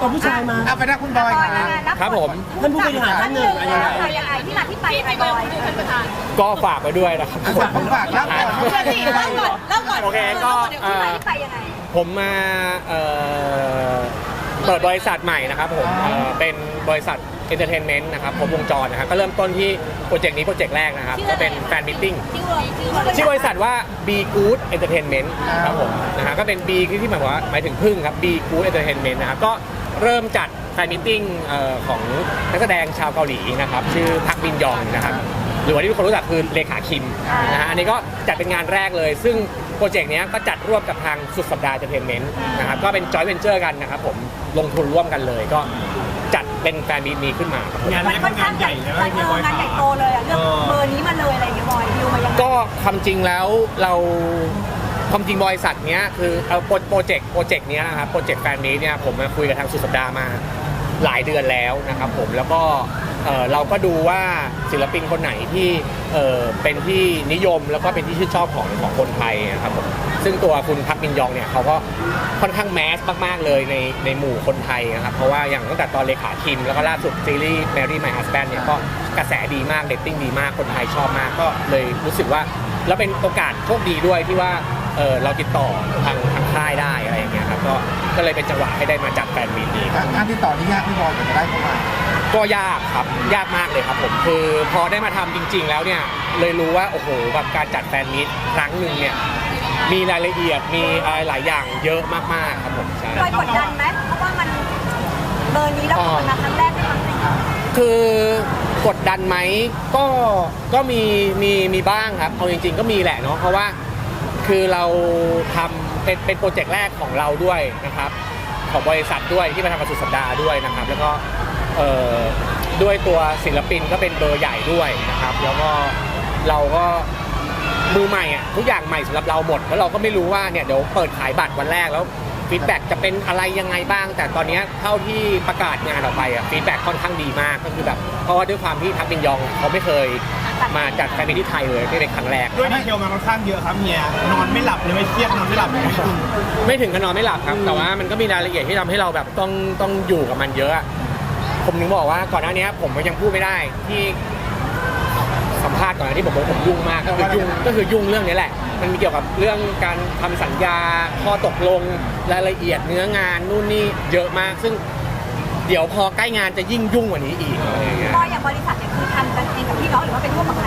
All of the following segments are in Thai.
ตัวผู้ชายมาเอาไปได้คุณบอยครับผมท่านผู้บริหารท่านหนึ่งยังไงที่มาที่ไปยังไงบอยท่านประธานก็ฝากไว้ด้วยนะครับฝากแล้วก่อนเล่าก่อนโอเคก็ที่มาที่ไปยังไงผมมาเปิดบริษัทใหม่นะครับผมเป็นบริษัทเอนเตอร์เทนเมนต์นะครับครบวงจรนะครับก็เริ่มต้นที่โปรเจกต์นี้โปรเจกต์แรกนะครับก็เป็นแฟนมิทติ้งชื่อบริษัทว่า Be Good Entertainment ครับผมนะฮะก็เป็น B ที่หมายถึงพึ่งครับ Be Good Entertainment นะครับก็เริ่มจัดแฟนมิทติ้งของนักแสดงชาวเกาหลีนะครับชื่อพักบินยองนะครับหรือว่าที่ทุกคนรู้จักคือเลขาคิมนะฮะอันนี้ก็จัดเป็นงานแรกเลยซึ่งโปรเจกต์นี้ก็จัดร่วมกับทางสุดสัปดาห์เอนเตอร์เทนเมนต์นะครับก็เป็นจอยเวนเจอร์กันนะครับผมลงทุนร่วมกันเลยก็จัดเป็นแฟนมีตนี้ขึ้นมางานนี้เป็นงานใหญ่เลยงานใหญ่โตเลยเรื่องเบอร์นี้มาเลยอะไรอย่างเงี้ยบอยดิวมายังไงก็ความจริงแล้วเราความจริงบริษัทนี้คือโปรเจกต์นี้นะครับโปรเจกต์แฟนมีตเนี่ยผมมาคุยกับทางสุดสัปดาห์มาหลายเดือนแล้วนะครับผมแล้วก็เราก็ดูว่าศิลปินคนไหนที่เป็นที่นิยมแล้วก็เป็นที่ชื่นชอบของคนไทยนะครับผมซึ่งตัวคุณพักมินยองเนี่ยเขาก็ค่อนข้างแมสมากๆเลยในหมู่คนไทยนะครับเพราะว่าอย่างตั้งแต่ตอนเลขาคิมแล้วก็ล่าสุดซีรีส์ Marry My Husband เนี่ยก็กระแสดีมากเรตติ้งดีมากคนไทยชอบมากก็เลยรู้สึกว่าแล้วเป็นโอกาสโชคดีด้วยที่ว่าเราติดต่อทางค่ายได้อะไรอย่างเงี้ยครับก็เลยเป็นจังหวะให้ได้มาจัดแฟนมีตนี้งานที่ต่อนี่ยากพี่บอยจะได้เข้ามาก็ยากครับยากมากเลยครับผมคือพอได้มาทำจริงๆแล้วเนี่ยเลยรู้ว่าโอ้โหแบบการจัดแฟนมีตครั้งหนึ่งเนี่ยมีรายละเอียดมีอะไรหลายอย่างเยอะมากๆครับผมใช่บอยกดดันไหมเพราะว่ามันเบอร์นี้แล้วเป็นมาครั้งแรกได้มั้งคือกดดันไหมก็มีบ้างครับเอาจริงๆก็มีแหละเนาะเพราะว่าคือเราทำเป็นโปรเจกต์แรกของเราด้วยนะครับของบริษัทด้วยที่มาทำกับสุดสัปดาห์ด้วยนะครับแล้วก็ด้วยตัวศิลปินก็เป็นเบอร์ใหญ่ด้วยนะครับแล้วก็เราก็มือใหม่อ่ะทุกอย่างใหม่สำหรับเราหมดแล้วเราก็ไม่รู้ว่าเนี่ยเดี๋ยวเปิดขายบัตรวันแรกแล้วฟีดแบ็กจะเป็นอะไรยังไงบ้างแต่ตอนนี้เท่าที่ประกาศงานออกไปอ่ะฟีดแบ็กค่อนข้างดีมากก็คือแบบเพราะว่าด้วยความที่พักบินยองเขาไม่เคยมาจัดแฟนมีตที่ไทยเลยนี่เป็นครั้งแรกด้วยดีเทลมาค่อนข้างเยอะครับเนี่ยนอนไม่หลับเลยไม่เครียดนอนไม่หลับเลยไม่ถึงกับนอนไม่หลับครับแต่ว่ามันก็มีรายละเอียดที่ทำให้เราแบบต้องอยู่กับมันเยอะผมถึงบอกว่าก่อนหน้านี้ผมยังพูดไม่ได้ที่สัมภาษณ์ก่อนหน้าที่ผมยุ่งมากก็คือยุ่งเรื่องนี้แหละมันมีเกี่ยวกับเรื่องการทำสัญญาข้อตกลงรายละเอียดเนื้องานนู่นนี่เยอะมากซึ่งเดี๋ยวพอใกล้งานจะยิ่งยุ่งกว่านี้อีกอะไรอย่างเงี้ยก็อย่างบริษัทเนี่ยคือทำกันเองกับพี่น้องหรือว่าเป็นร่วมกับใคร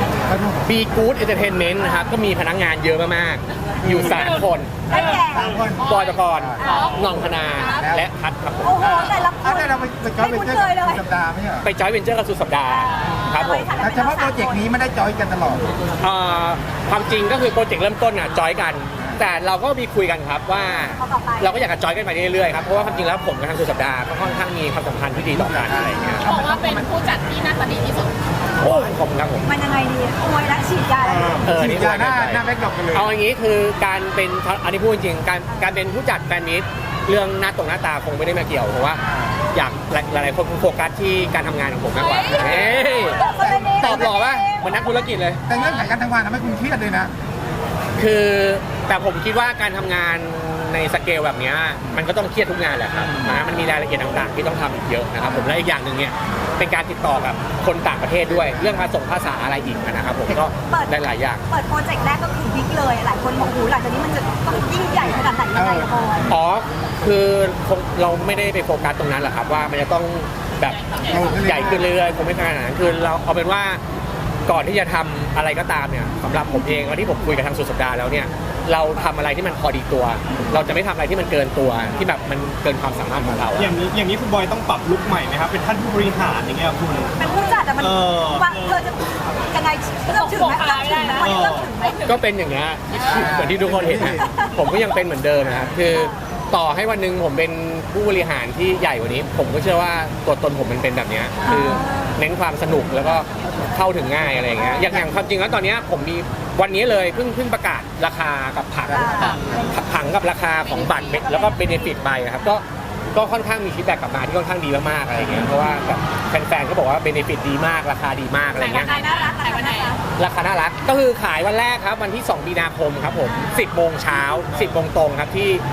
Be Good Entertainment นะครับก็มีพนักงานเยอะมากๆอยู่3คนบอยตะกรน้องธนาและพัดครับผมโอ้โหแต่ละคนเราไปจอยเวนเจอร์กับสัปดาห์ไม่ใช่ไปจอยเวนเจอร์กับสุดสัปดาห์ครับผมเฉพาะโปรเจกต์นี้ไม่ได้จอยกันตลอดความจริงก็คือโปรเจกต์เริ่มต้นอ่ะจอยกันแต่เราก็มีคุยกันครับว่าเราก็อยากจะจอยกันไปเรื่อยๆครับเพราะว่าความจริงแล้วผมกับทางสุดสัปดาห์ก็ค่อนข้างมีความสัมพันธ์ที่ดีต่อกันอะไรอย่างเงี้ยบอกว่าเป็นผู้จัดที่น่าจะดีที่สุดโอ้ผมครับผมมันยังไงดีมวยและฉีดยาฉีดยาหน้าแบ็คดรอปกันเลยเอาอย่างนี้คือการเป็นอันนี้พูดจริงการเป็นผู้จัดแฟนมิตเรื่องหน้าตาคงไม่ได้มาเกี่ยวเพราะว่าอยากหลายๆคนโฟกัสที่การทำงานของผมมากกว่าตอบหล่อว่าเหมือนนักธุรกิจเลยแต่เรื่องการทำงานทำให้คุณเครียดเลยนะคือแต่ผมคิดว่าการทำงานในสเกลแบบนี้มันก็ต้องเครียดทุกงานแหละครับมันมีรายละเอียดต่างๆที่ต้องทำอีกเยอะนะครับผมและอีกอย่างหนึ่งเนี่ยเป็นการติดต่อกับคนต่างประเทศด้วยเรื่องภาษาอะไรอีกนะครับผมก็ได้หลายอย่างเปิดโปรเจกต์แรกก็คือบิ๊กเลยหลายคนบอกหูหลังจากนี้มันจะต้องยิ่งใหญ่ขนาดไหนยังไงบอยอ๋อคือเราไม่ได้ไปโฟกัสตรงนั้นหรอกครับว่ามันจะต้องแบบใหญ่ขึ้นเรื่อยๆคงไม่ขนาดนั้นคือเราเอาเป็นว่าก่อนที่จะทำอะไรก็ตามเนี่ยสำหรับผมเองตอนที่ผมคุยกับทางสุดสัปดาห์แล้วเนี่ยเราทำอะไรที่มันพอดีตัวเราจะไม่ทำอะไรที่มันเกินตัวที่แบบมันเกินความสามารถของเราอย่างนี้คุณบอยต้องปรับลุคใหม่ไหมครับเป็นท่านผู้บริหารอย่างเงี้ยคุณเป็นผู้จัดแต่มันว่าเธอจะยังไงเริ่มถึงไหมก็เป็นอย่างเงี้ยเหมือนที่ทุกคนเห็นนะผมก็ยังเป็นเหมือนเดิมนะครับคือต่อให้วันหนึ่งผมเป็นผู้บริหารที่ใหญ่กว่านี้ผมก็เชื่อว่าตัวตนผมมันเป็นแบบนี้คือเน้นความสนุกแล้วก็เข้าถึงง่ายอะไรอย่างเงี้ยอย่างความจริงแล้วตอนนี้ผมมีวันนี้เลยเพิ่งประกาศราคากับผังกับราคาของบัตรแล้วก็เบเนฟิตไปครับก็ค่อนข้างมีฟีดแบ็กกลับมาที่ค่อนข้างดีมากๆอะไรอย่างเงี้ยเพราะว่าแบบแฟนๆก็บอกว่าเบเนฟิตดีมากราคาดีมากอะไรเงี้ยราคาน่ารักก็คือขายวันแรกครับวันที่2 มีนาคมครับผม10 โมงเช้า10 โมงตรงครับที่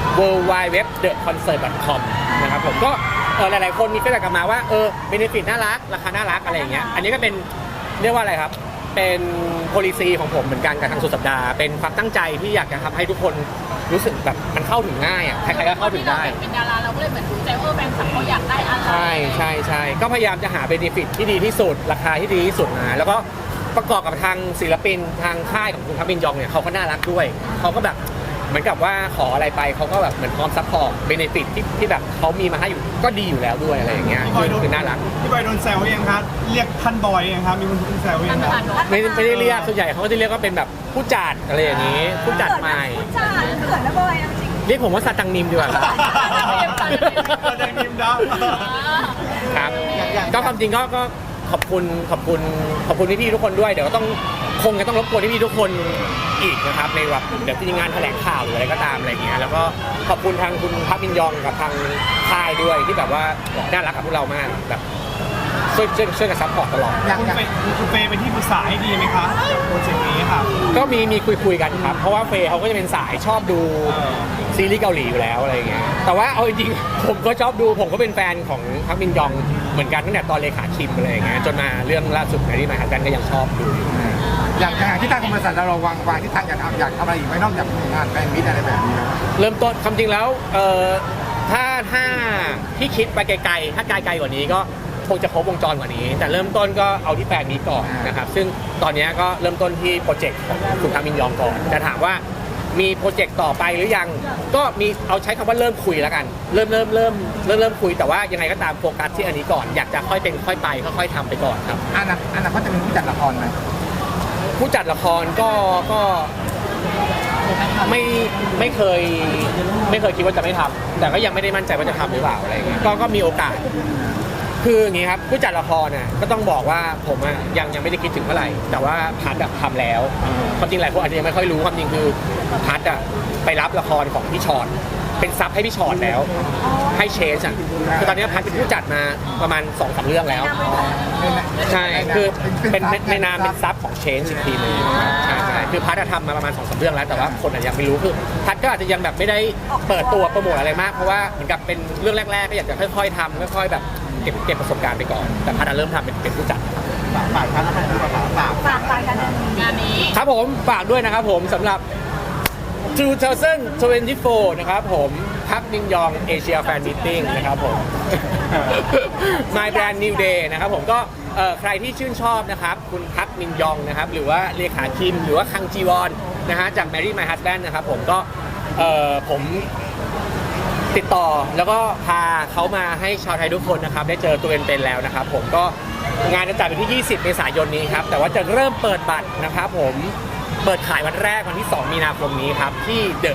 www.theconcert.com นะครับผมก็หลายๆคนมีฟีดแบ็กกลับมาว่าเบเนฟิตน่ารักราคาน่ารักอะไรอย่างเงี้ยอันนี้ก็เป็นเรียกว่าอะไรครับเป็น policy ของผมเหมือนกันกับทางสุดสัปดาห์เป็นความตั้งใจที่อยากจะทำให้ทุกคนรู้สึกแบบมันเข้าถึงง่ายอ่ะใครๆก็เข้าถึงได้เป็นดาราเราก็เลยเหมือนดูใจแฟนคลับเขาอยากได้อะไรใช่ก็พยายามจะหาเบเนฟิตที่ดีที่สุดราคาที่ดีที่สุดมาแล้วก็ประกอบกับทางศิลปินทางค่ายของคุณทัพมินยองเนี่ยเขาก็น่ารักด้วยเขาก็แบบเหมือนกับว่าขออะไรไปเขาก็แบบเหมือนพร้อมซัพพอร์ตเบเนฟิตที่แบบเขามีมาให้อยู่ก็ดีอยู่แล้วด้วยอะไรอย่างเงี้ยคือน่ารักพี่บอยโดนแซวยังครับเรียกท่านบอยยังครับมีคนแซวยังครับไม่ได้เรียกส่วนใหญ่เขาก็จะเรียกว่าเป็นแบบผู้จัดอะไรอย่างนี้ผู้จัดใหม่จ้าเขินนะบอยจริงเรียกผมว่าซาตังนิมดีกว่าครับแดงนิมดับครับก็ความจริงก็ขอบคุณพี่ๆทุกคนด้วยเดี๋ยวก็ต้องคงจะต้องรบกวนพี่ๆทุกคนอีกนะครับในแบบเดี๋ยวจะมีงานแถลงข่าวหรืออะไรก็ตามอะไรเงี้ยแล้วก็ขอบคุณทางคุณพักมินยองกับทางค่ายด้วยที่แบบว่าน่ารักกับพวกเรามากแบบช่วยกันซัพพอร์ตตลอดคุณเฟย์เป็นที่ปรึกษาให้ดีไหมคะกับโปรเจกต์นี้ครับก็มีคุยกันครับเพราะว่าเฟย์เขาก็จะเป็นสายชอบดูซีรีส์เกาหลีอยู่แล้วอะไรเงี้ยแต่ว่าเอาจริงๆผมก็ชอบดูผมก็เป็นแฟนของพักมินยองเหมือนกันตั้งแต่ตอนเลขาคิมอะไรอย่างเงี้ยจนมาเรื่องล่าสุดในที่มาหากันก็ยังชอบดูอยู่อย่างที่ทางบริษัทเราวางที่ทางอยากทำอะไรอีกไหมนอกจากงานแฟนมิตรอะไรแบบนี้เริ่มต้นความจริงแล้วถ้าที่คิดไปไกลๆถ้าไกลกว่านี้ก็คงจะครบวงจรกว่านี้ แต่เริ่มต้นก็เอาที่แฟนนี้ก่อนนะครับซึ่งตอนนี้ก็เริ่มต้นที่โปรเจกต์ของคุณทามินยองก่อนแต่ถามว่ามีโปรเจกต์ต่อไปหรือยังก็มีเอาใช้คำว่าเริ่มคุยแล้วกันเริ่มคุยแต่ว่ายังไงก็ตามโฟกัสที่อันนี้ก่อนอยากจะค่อยเป็นค่อยไปค่อยๆทำไปก่อนครับอันนั้นเขาจะเป็นผู้จัดละครไหมผู้จัดละครก็ไม่เคยคิดว่าจะไม่ทำแต่ก็ยังไม่ได้มั่นใจว่าจะทำหรือเปล่าอะไรเงี้ยก็มีโอกาสคืออย่างงี้ครับผู้จัดละครน่ะก็ต้องบอกว่าผมอะยังไม่ได้คิดถึงเท่าไหร่แต่ว่าพัดอะทำแล้วความจริงหลายคนอาจจะยังไม่ค่อยรู้ความจริงคือพัดอะไปรับละครของพี่ชอนเป็นซับให้พี่ชอนแล้วให้เชนอ่ะคือตอนนี้พัดเป็นผู้จัดมาประมาณ 2-3 เรื่องแล้วใช่คือเป็นในนามเป็นซับของเชนอีกทีนึงใช่คือพัดทำมาประมาณ 2-3 เรื่องแล้วแต่ว่าคนอาจจะยังไม่รู้คือพัดก็อาจจะยังแบบไม่ได้เปิดตัวโปรโมทอะไรมากเพราะว่าเหมือนกับเป็นเรื่องแรกๆก็อยากจะค่อยๆทำค่อยๆแบบเก็บประสบการณ์ไปก่อนแต่พัดเริ่มทำเป็นผู้จัดฝากกันงานนี้ครับผมฝากด้วยนะครับผมสำหรับ 2024 นะครับผมพักมินยองเอเชียแฟนมิทติ้งนะครับผม My Brand New Day นะครับผมก็ใครที่ชื่นชอบนะครับคุณพักมินยองนะครับหรือว่าเลขาคิมหรือว่าคังจีวอนนะฮะจาก Marry My Husband นะครับผมก็ผมติดต่อแล้วก็พาเขามาให้ชาวไทยทุกคนนะครับได้เจอตัวเป็นๆแล้วนะครับผมก็งานจะจัดวันที่ 20 เมษายนนี้ครับแต่ว่าจะเริ่มเปิดบัตรนะครับผมเปิดขายวันแรกวันที่ 2 มีนาคมนี้ครับที่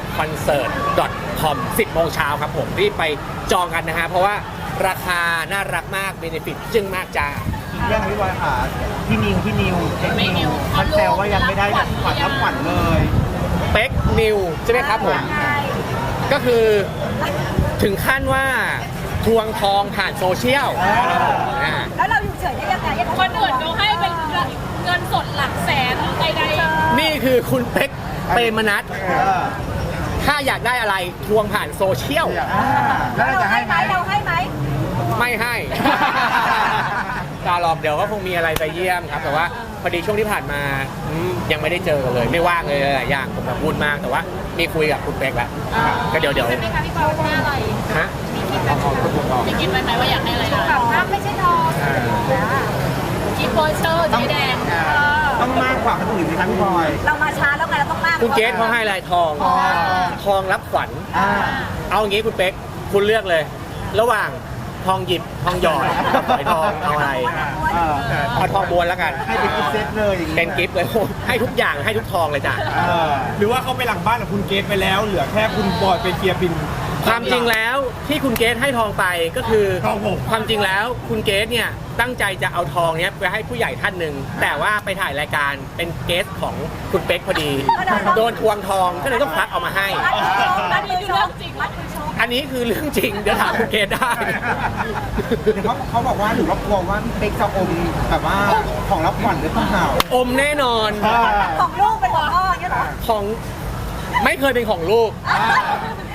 theconcert.com 10 โมงเช้าครับผมรีบไปจองกันนะฮะเพราะว่าราคาน่ารักมากเบเนฟิตจึ้งมากจ้าเรื่องพี่บอยค่ะพี่นิวไม่นิวท่านแซวว่ายังไม่ได้แบบขวัญรับขวัญเลยเป๊กนิวใช่ไหมครับผมก็คือถึงขั้นว่าทวงทองผ่านโซเชียลแล้วเราอยู่เฉยได้ยังไงคนอื่นเขาให้เป็นเงินสดหลักแสนใดนี่คือคุณเป๊กเปรมนัทถ้าอยากได้อะไรทวงผ่านโซเชียลแล้วเราจะให้ไหมเราให้ไหมไม่ให้ ตาหลอกเดี๋ยวก็คงมีอะไรไปเยี่ยมครับแต่ว่าพอดีช่วงที่ผ่านมายังไม่ได้เจอกันเลยไม่ว่างเลยหลายอย่างผมแบบวุ่นมากแต่ว่ามีคุยกับคุณเป๊กแล้วก็เดี๋ยวๆใช่ไหมคะพี่บอยว่าอะไรฮะมีคิดไว้ไหมว่าอยากให้อะไรนะน้ำไม่ใช่ทองกิฟต์โปเชอร์สีแดงต้องมากกว่าคนอื่นไหมครับพี่บอยเรามาช้าแล้วไงเราต้องมากคุณเกสเขาให้อะไรทองรับขวัญเอาอย่างงี้คุณเป๊กคุณเลือกเลย ระหว่างทองหยิบทองหยอดกับฝอยทองเอาอะไรเอาทองม้วนแล้วกันให้เป็นกิฟต์เซตเลยอย่างงี้เป็นกิฟต์เลยให้ทุกอย่างให้ทุกทองเลยจ้ะหรือว่าเขาไปหลังบ้านกับคุณเกตไปแล้วเหลือแค่คุณบอยไปเคลียร์บินความจริงแล้วที่คุณเกสให้ทองไปก็คือทองผมความจริงแล้วคุณเกสเนี่ยตั้งใจจะเอาทองเนี้ยไปให้ผู้ใหญ่ท่านหนึ่งแต่ว่าไปถ่ายรายการเป็นเกสของคุณเป๊กพอดีโดนทวงทองก็เลยต้องควักเอามาให้มัดมือชกมัดมือชกอันนี้คือเรื่องจริงเดี๋ยวถามคุณเกสได้เดี๋ยวเขาบอกว่าหนูรับกลัวว่าพี่เป๊กจะอมแบบว่าของรับขวัญหรือเปล่าอมแน่นอนของลูกเป็นของพ่ออย่างเงี้ยเหรอของไม่เคยเป็นของลูก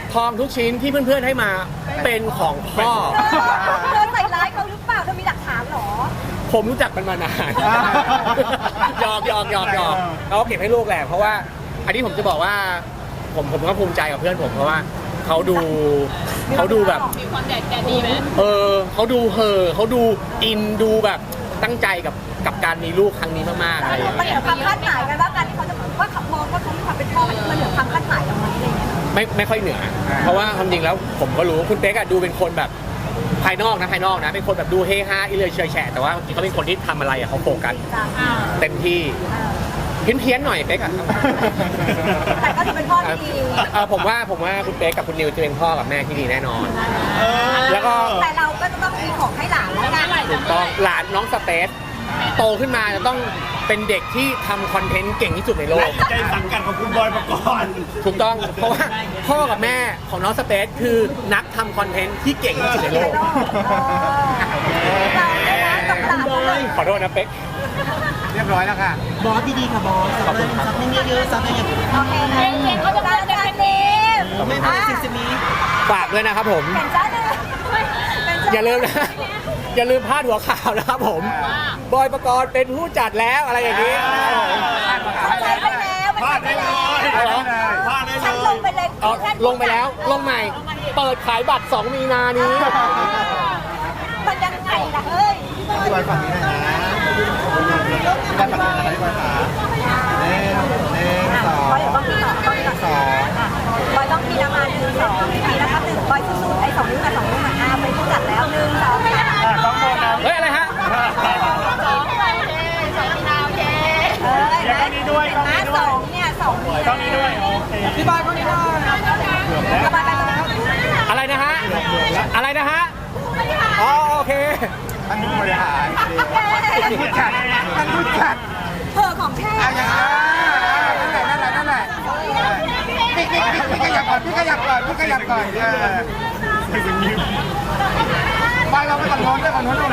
ทองทุกชิ้นที่เพื่อนๆให้มาเป็นของพ่อเธอใส่ร้ายเขาหรือเปล่าเธอมีหลักฐานเหรอผมรู้จักมันมานานหยอกเขาเก็บให้ลูกแหละเพราะว่าอันนี้ผมจะบอกว่าผมก็ภูมิใจกับเพื่อนผมเพราะว่าเขาดูแบบมีความแดดดีไหมเขาดูเขาดูอินดูแบบตั้งใจกับการมีลูกครั้งนี้มากๆอะไรอย่างมันเงี้เหนืยอความคาดหมายกันว่าการที่เขาจะว่าขับมองว่าเขามีความเป็นพ่อมันเหนือความคาดหมายเราไหมอะไรเงี้ยไม่ค่อยเหนือ เพราะว่าความจริงแล้วผมก็รู้คุณเป๊กอะดูเป็นคนแบบภายนอกนะเป็นคนแบบดูเฮฮาอิเลยเฉยแฉะแต่ว่าจริงๆเขาเป็นคนที่ทำอะไรอะเขาโฟกัสจ้ะเต็มที่เพี้ยนๆหน่อยเป๊กอะแต่ก็ถือเป็นพ่อที่ดีผมว่าคุณเป๊กกับคุณนิวจะเป็นพ่อกับแม่ที่ดีแน่นอน แล้วก็แต่เราก็จะต้องมีของให้หลานแล้วกันถูกต้องหลานน้องสเปซโตขึ้นมาจะต้องเป็นเด็กที่ทำคอนเทนต์เก่งที่สุดในโลกใจสังกัดของคุณบอยปกรณ์ถูกต้องเพราะว่าพ่อกับแม่ของน้องสเปซคือนักทำคอนเทนต์ที่เก่งที่สุดในโลกเราเนี่ยนะกับหลานเราเลยขอโทษนะเป๊กเรียบร้อยแล้วค่ะบอสดีๆค่ะบอสซับให้เยอะๆซับให้เยอะโอเคนะเพลงเขาจะเป็นเพลงนี้ๆไม่พอซิสมีฝากด้วยนะครับผมเป็นจ้าเลยเป็นจ้าอย่าลืมนะ อย่าลืมพาดหัวข่าวนะครับผม บอยประกรณ์เป็นผู้จัดแล้วอะไรอย่างนี้นะครับผมเข้าใจไปแล้วมันพลาดเข้าใจได้แล้วเลยพลาดได้ฉันเลลยงไปเลยเอาลงไปแล้วลงใหม่ เปิดขายบัตร 2 มีนานี้มันยังไงล่ะเฮ้ยพี่บอยฝั่งนี้หน่อยนะพี่บอยฝั่งนี้หน่อยนะพี่บอยขาเน่สองบอยเดี๋ยวต้องมีต่อต้องมีต่อสองบอยต้องมีน้ำมัน1 2ทีนะครับ1บอยสู้ๆไอ้2 นิ้วกับ2 นิ้วอ่ะไปผู้จัดแล้ว1 2 3 ต้องโดนนะเฮ้ย อะไรฮะ 2ไปเลย2มีนาโอเคเออนะ2เนี่ย2นิ้วต้องนี้ด้วยโอเคพี่บอยคนนี้หน่อยสบายไปแล้วอะไรนะฮะ อะไรนะฮะ อ๋อโอเคท่านผู้บริหารท่านผู้จัดท่านผู้จัดเธอของแท้เอาอย่างนั่นแหละพี่ขยับก่อนพี่ขยับก่อนไปเราไปฝั่งโน้นด้วยฝั่งโน้นด้วย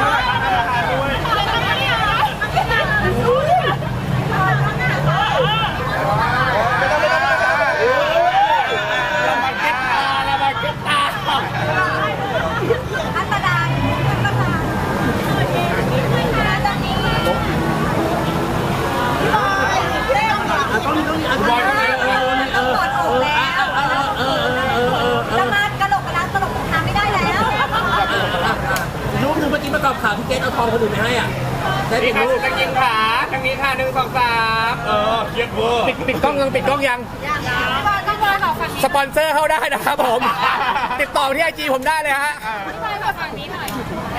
อันตรายอันตรายตอนนี้บอยปวดอกแล้วจะมากระโหลกกระลาตลกทำไม่ได้แล้วรูปหนึ่งเมื่อกี้ประกอบข่าวพี่เกตเอาทองคนอื่นไปให้อ่ะได้นี่เป็นค่ะรูปตะกินขาทางนี้ค่ะ1 2 3 เครียดเวอร์ปิดกล้องยังบอยต้องบอยขอฝั่งนี้สปอนเซอร์เข้าได้นะครับผม ติดต่อที่ไอจีผมได้เลยฮะบอยขอฝั่งนี้หน่อย